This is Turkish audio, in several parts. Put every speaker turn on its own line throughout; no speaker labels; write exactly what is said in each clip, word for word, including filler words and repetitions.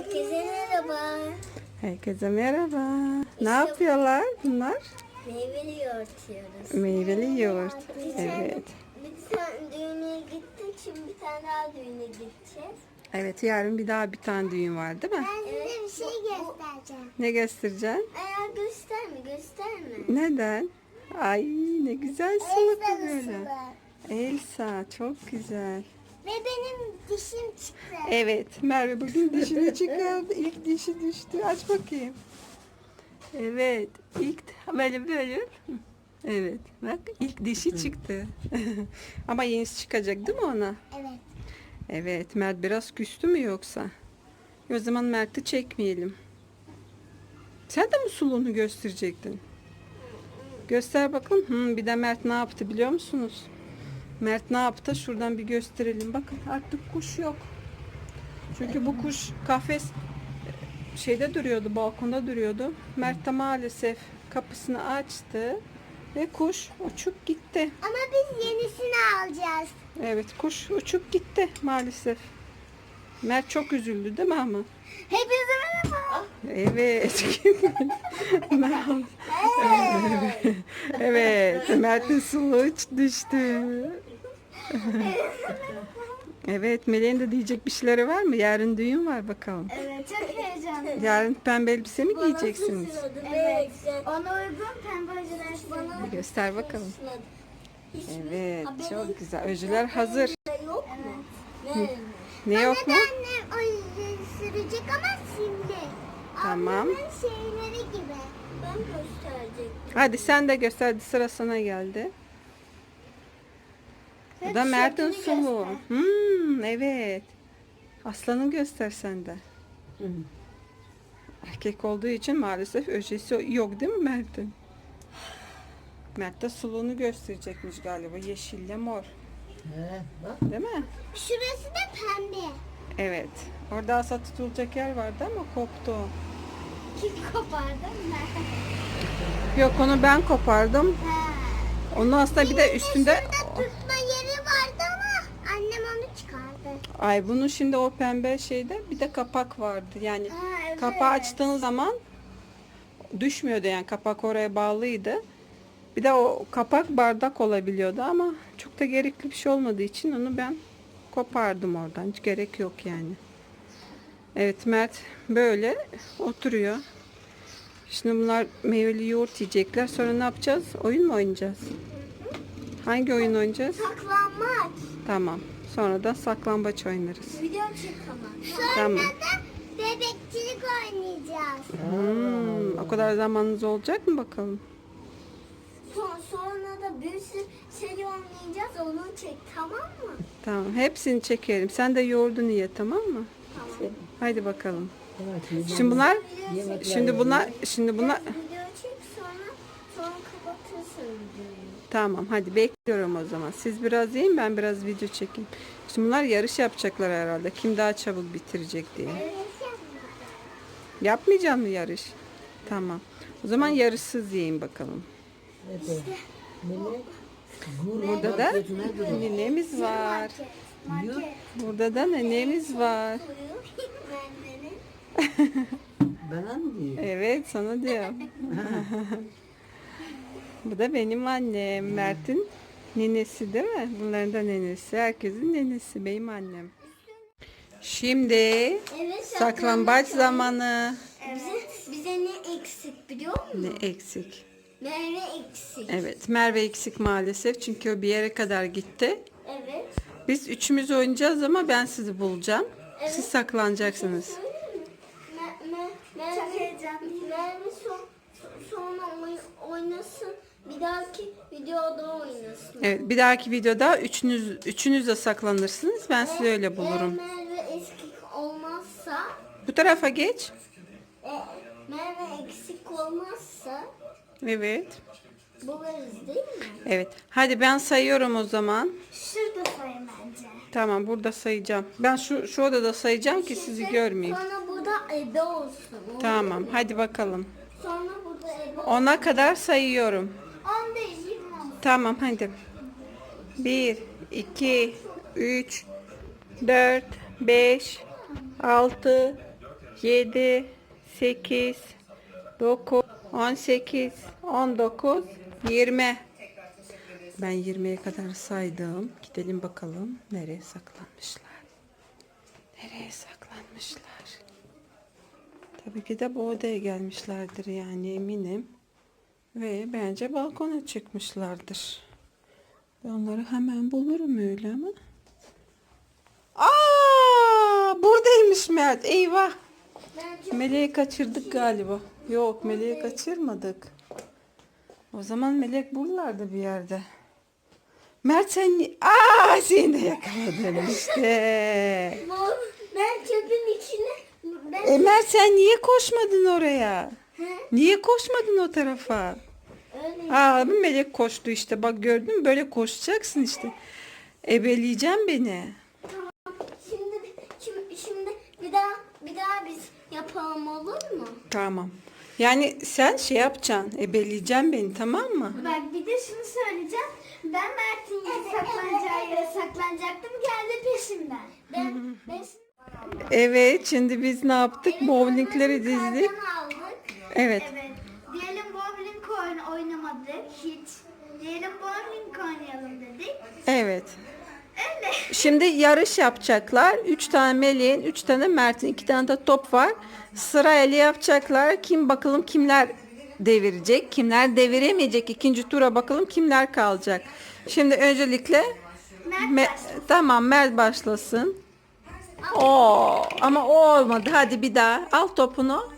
Herkese merhaba.
Herkese merhaba. Ne yapıyorlar bunlar?
Meyveli yoğurt yiyoruz.
Meyveli yoğurt.
Bir
Evet.
tane, bir tane düğüne gittik. Şimdi bir tane daha düğüne gideceğiz.
Evet, yarın bir daha bir tane düğün var değil mi?
Ben size bir şey göstereceğim.
Ne göstereceksin?
Eğer gösterme gösterme.
Neden? Ay ne güzel sılık böyle. Elsa çok güzel.
Ve benim dişim çıktı.
Evet, Merve bugün dişini çıkardı. İlk dişi düştü. Aç bakayım. Evet, ilk böyle böyle. Evet, bak ilk dişi çıktı. Ama yenisi çıkacak değil mi ona?
Evet.
Evet, Mert biraz küstü mü yoksa? O zaman Mert'i çekmeyelim. Sen de mi suluğunu gösterecektin? Göster bakalım. Hmm, bir de Mert ne yaptı biliyor musunuz? Mert ne yaptı? Şuradan bir gösterelim. Bakın artık kuş yok. Çünkü bu kuş kafes şeyde duruyordu, balkonda duruyordu. Mert de maalesef kapısını açtı ve kuş uçup gitti.
Ama biz yenisini alacağız.
Evet, kuş uçup gitti maalesef. Mert çok üzüldü değil mi ama?
Hepinize merhaba.
Evet. Merhaba. Evet. Evet. Mert'in suluğu düştü. Evet. Melek'in de diyecek bir şeyleri var mı? Yarın düğün var bakalım.
Evet, çok heyecanlıyım.
Yarın pembe elbise mi giyeceksiniz?
Evet. Ona uygun pembe öcüler bana.
Göster bakalım. Evet. Çok güzel. Öcüler hazır.
Yok mu?
Ne yok mu?
Annem o sürecek ama şimdi.
Tamam.
Ablamın şeyleri gibi. Ben gösterecektim.
Hadi sen de göster. Hadi sıra sana geldi. Bu da Mert'in suluğu. Hmm, evet. Aslanı göster sen de. Erkek olduğu için maalesef öjesi yok değil mi Mert'in? Mert de suluğunu gösterecekmiş galiba. Yeşille mor.
He, bak.
Değil mi?
Şurası da pembe.
Evet. Orada asa tutulacak yer vardı ama koptu o.
Kim kopardı?
Yok onu ben kopardım.
Ha.
Onun aslında bir de üstünde...
Şurada tutma yeri vardı ama annem onu çıkardı.
Ay bunun şimdi o pembe şeyde bir de kapak vardı. Yani
Ha, evet.
kapağı açtığın zaman düşmüyordu yani kapak oraya bağlıydı. Bir de o kapak bardak olabiliyordu ama çok da gerekli bir şey olmadığı için onu ben kopardım oradan. Hiç gerek yok yani. Evet Mert böyle oturuyor. Şimdi bunlar meyveli yoğurt yiyecekler. Sonra ne yapacağız? Oyun mu oynayacağız? Hangi oyun oynayacağız?
Saklanmaç.
Tamam. Sonra da saklambaç oynarız.
Video çek ama. Sonra
Tamam.
da bebekçilik oynayacağız.
Hmm, o kadar zamanınız olacak mı bakalım?
Son, sonra da bir sürü şey oynayacağız. Onu çek, tamam mı?
Tamam. Hepsini çekelim. Sen de yoğurdunu ye, tamam mı?
Tamam.
Haydi bakalım.
Evet,
Şimdi bunlar
Yemekler
şimdi bunlar şimdi bunlar
Video çek, sonra sonra kapatırsın videoyu.
tamam. Hadi bekliyorum o zaman. Siz biraz yiyin, ben biraz video çekeyim. Şimdi bunlar yarış yapacaklar herhalde. Kim daha çabuk bitirecek diye. Yapmayacağım mı yarış? Tamam. O zaman yarışsız yiyin bakalım.
evet. Melek, gurur
Burada da
marketine gidiyor.
nenemiz var.
Market.
Burada da nenemiz var.
Bendeni.
Bana mı diyor?
Evet, sana diyorum. Bu da benim annem. Mert'in nenesi değil mi? Bunların da nenesi. Herkesin nenesi. Benim annem. Şimdi
Evet,
saklambaç zamanı.
Bize, bize ne eksik biliyor musun?
Ne eksik?
Meyve eksik.
Evet, Merve eksik maalesef. Çünkü o bir yere kadar gitti.
Evet.
Biz üçümüz oynayacağız ama ben sizi bulacağım. Siz saklanacaksınız.
Me, me, Merve, Merve son, sonra oy- oynasın. Bir dahaki videoda oynasın.
Evet, bir dahaki videoda üçünüz üçünüz de saklanırsınız. Ben sizi öyle bulurum.
Eğer Merve eksik olmazsa,
Bu tarafa geç.
e, Merve eksik olmazsa
Evet.
buluruz değil mi?
Evet. Hadi ben sayıyorum o zaman.
Şurada sayın bence.
Tamam, burada sayacağım. Ben şu şu odada sayacağım ki sizi görmeyeyim.
Sonra burada ebe olsun. olur
Tamam.
mu?
Hadi bakalım.
Sonra burada ebe olsun.
Ona kadar sayıyorum.
On değil, yirmi olsun.
Tamam hadi. Bir, iki, üç, dört, beş, altı, yedi, sekiz, dokuz, on sekiz, on dokuz, yirmi. Ben yirmiye kadar saydım. Gidelim bakalım nereye saklanmışlar. Nereye saklanmışlar? Tabii ki de bu odaya gelmişlerdir yani eminim. Ve bence balkona çıkmışlardır. Ben onları hemen bulurum öyle ama. Aa, buradaymış Mert. Eyvah. Meleği kaçırdık galiba. Yok, Meleği kaçırmadık. O zaman Melek buralarda bir yerde. Mert sen ni- Aa, seni de yakaladım işte.
Ben çöpün içine... Ben...
E Mert sen niye koşmadın oraya?
He?
Niye koşmadın o tarafa?
Öyle.
Aa, bu Melek koştu işte. Bak gördün mü? Böyle koşacaksın işte. Ebeleyeceğim beni.
Şimdi, şimdi, şimdi bir daha bir daha biz yapalım olur mu?
Tamam. Yani sen şey yapacaksın. Ebeleyeceksin beni, tamam mı?
Bak bir de şunu söyleyeceğim. Ben Mert'in yere saklanacağı yere saklanacaktım. Geldi peşimden. Ben, ben
Evet, şimdi biz ne yaptık? Bowlingleri dizdik.
aldık.
Evet.
Evet. Diyelim bowling oyun oynamadık hiç. Diyelim bowling oynayalım dedik.
Evet.
Öyle.
Şimdi yarış yapacaklar. Üç tane Melek'in, üç tane Mert'in, iki tane de top var. Sırayla yapacaklar. Kim bakalım kimler devirecek, kimler deviremeyecek. İkinci tura bakalım kimler kalacak. Şimdi öncelikle
Mert
Me- tamam Mert başlasın. Oo, ama o olmadı. Hadi bir daha. Al topunu.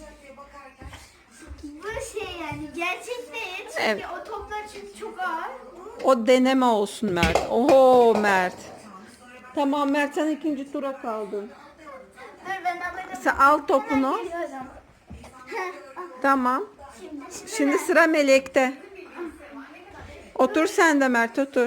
Bu şey yani gerçek değil. Çünkü
Evet.
o toplar çünkü çok ağır.
O deneme olsun Mert. Oho Mert. Tamam Mert, sen ikinci tura kaldın.
Dur ben alırım.
Sen al topunu.
Hemen geliyorum.
Tamam.
Şimdi.
Şimdi sıra Melek'te. Otur sen de Mert, otur.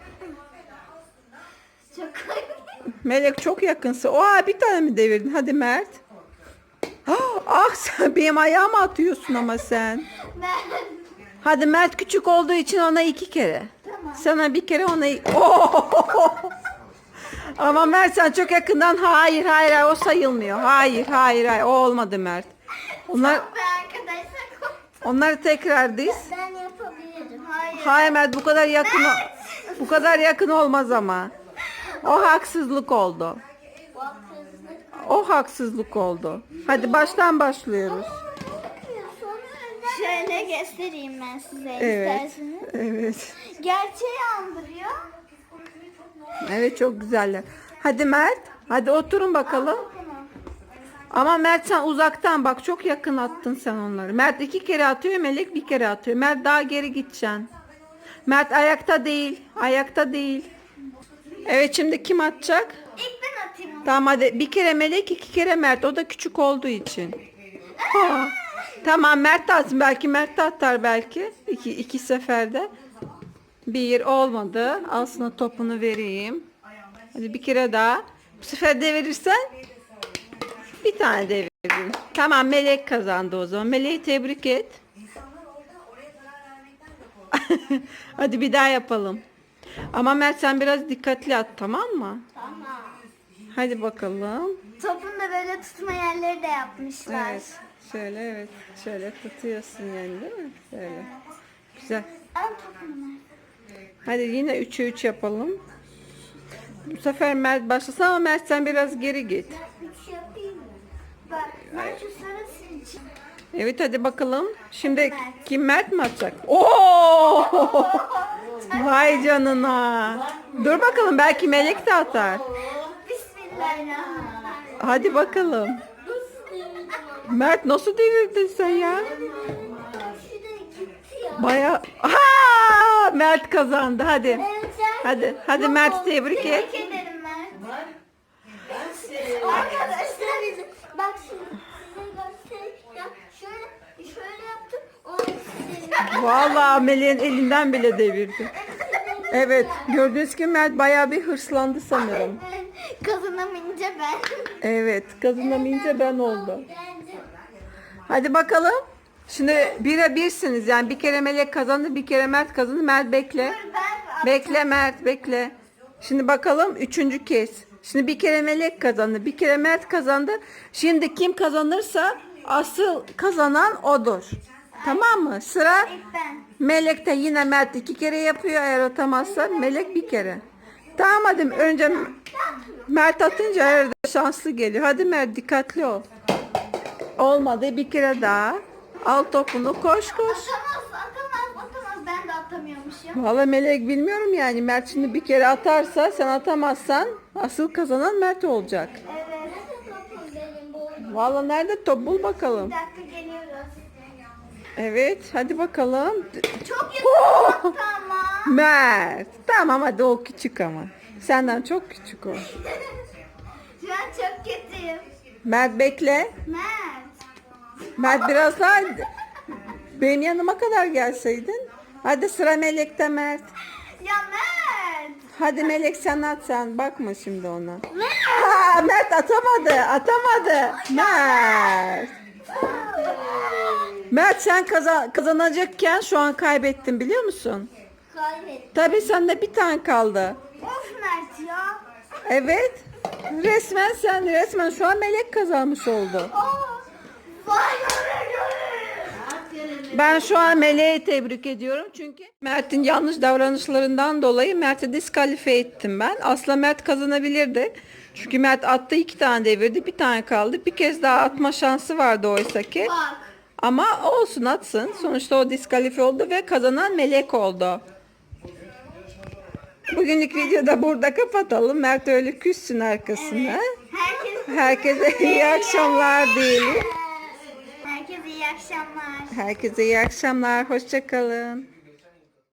Çok
Melek çok yakınsın. Oha, bir tane mi devirdin? Hadi Mert. Ah, ah, sen benim ayağıma atıyorsun ama sen.
Ben.
Hadi Mert küçük olduğu için ona iki kere.
Tamam.
Sana bir kere ona... Oh! Ama Mert sen çok yakından hayır hayır hayır, o sayılmıyor. Hayır hayır hayır, o olmadı Mert. Onlar
Ve arkadaşlar korktum.
onları tekrar diz.
Ben yapabilirim.
Hayır.
Hayır Mert, bu kadar yakın o- bu kadar yakın olmaz ama. O haksızlık oldu.
Bu haksızlık.
O haksızlık oldu. Hadi baştan başlıyoruz.
Şöyle göstereyim ben size
Evet.
isterseniz.
Evet.
Gerçeği andırıyor.
Evet, çok güzeller. Hadi Mert. Hadi oturun bakalım.
Tamam.
Ama Mert sen uzaktan bak, çok yakın attın sen onları. Mert iki kere atıyor, Melek bir kere atıyor. Mert daha geri gideceksin. Mert ayakta değil. Ayakta değil. Evet, şimdi kim atacak?
İlk ben atayım onu.
Tamam hadi, bir kere Melek, iki kere Mert. O da küçük olduğu için. Ha. Tamam Mert de atsın. Belki Mert de atar belki. İki, iki seferde. Bir olmadı. Al sana topunu vereyim. Hadi bir kere daha. Bu sefer devirirsen bir tane deviririm. Tamam, Melek kazandı o zaman. Melek'i tebrik et. Hadi bir daha yapalım. Ama Mert sen biraz dikkatli at, tamam mı?
Tamam.
Hadi bakalım.
Topun da böyle tutma yerleri de yapmışlar.
Evet. Şöyle, evet. Şöyle tutuyorsun yani, değil mi? Şöyle. Güzel.
Al topunu.
Hadi yine üçe üç yapalım. Bu sefer Mert başlasın ama Mert sen biraz geri git.
Üç yapayım mı?
Bak ben şu sarısı için.
Evet hadi bakalım. Şimdi kim, Mert mi atacak? Oo! Vay canına. Dur bakalım, belki Melek de atar.
Bismillahirrahmanirrahim.
Hadi bakalım. Mert nasıl devirdin sen ya?
Şurada gitti ya.
Baya... Ha! Mert kazandı. Hadi.
Evet, sen-
Hadi. Hadi Mert tebrik et.
Tebrik ederim Mert.
Arkadaşlar bizim- bak şimdi size göstereyim. Ya şöyle şöyle yaptım. Onu size
Vallahi Melek'in elinden bile devirdi. Evet. Gördüğünüz gibi Mert bayağı bir hırslandı sanırım.
Kazanamayınca ben.
Evet. Kazanamayınca ben oldum. Hadi bakalım. Şimdi bire birsiniz. Yani bir kere Melek kazandı, bir kere Mert kazandı. Mert bekle.
Ben
Bekle Mert, bekle. Şimdi bakalım üçüncü kez. Şimdi bir kere Melek kazandı. Bir kere Mert kazandı. Şimdi kim kazanırsa asıl kazanan odur. Tamam mı? Sıra
İlk ben.
Melek'te, yine Mert iki kere yapıyor. Eğer atamazsa Melek bir kere. Tamam hadi önce Mert atınca her şanslı geliyor. Hadi Mert dikkatli ol. Olmadı, bir kere daha. Al topunu, koş koş.
Atamaz, atamaz, atamaz. Ben de atamıyormuşum.
Vallahi Melek bilmiyorum yani. Mert şimdi bir kere atarsa, sen atamazsan asıl kazanan Mert olacak.
Evet.
Vallahi nerede top, bul bakalım.
Bir dakika geliyoruz.
Evet hadi bakalım.
Çok
Oh!
yakın attı ama.
Mert. Tamam hadi, o küçük ama. Senden çok küçük o.
Şu an çok kötüyüm.
Mert bekle.
Mert.
Mert biraz daha benim yanıma kadar gelseydin. Hadi sıra Melek'te Mert.
Ya Mert.
Hadi Melek sen at, sen bakma şimdi ona. Aa, Mert atamadı, atamadı. Mert. Mert sen kazan kazanacakken şu an kaybettin, biliyor musun?
Kaybettim.
Tabii sende bir tane kaldı.
Of Mert ya.
Evet. Resmen sen resmen şu an Melek kazanmış oldu.
Aa. Vay göre
Ben şu an Melek'i tebrik ediyorum çünkü Mert'in yanlış davranışlarından dolayı Mert'i diskalifiye ettim ben. Aslında Mert kazanabilirdi. Çünkü Mert attı, iki tane devirdi, bir tane kaldı. Bir kez daha atma şansı vardı oysa ki.
Bak.
Ama olsun, atsın. Sonuçta o diskalifiye oldu ve kazanan Melek oldu. Bugünlük videoda burada kapatalım. Mert öyle küssün arkasına.
Herkes
Herkese iyi akşamlar diyelim.
Herkese iyi akşamlar.
Herkese iyi akşamlar. Hoşça kalın.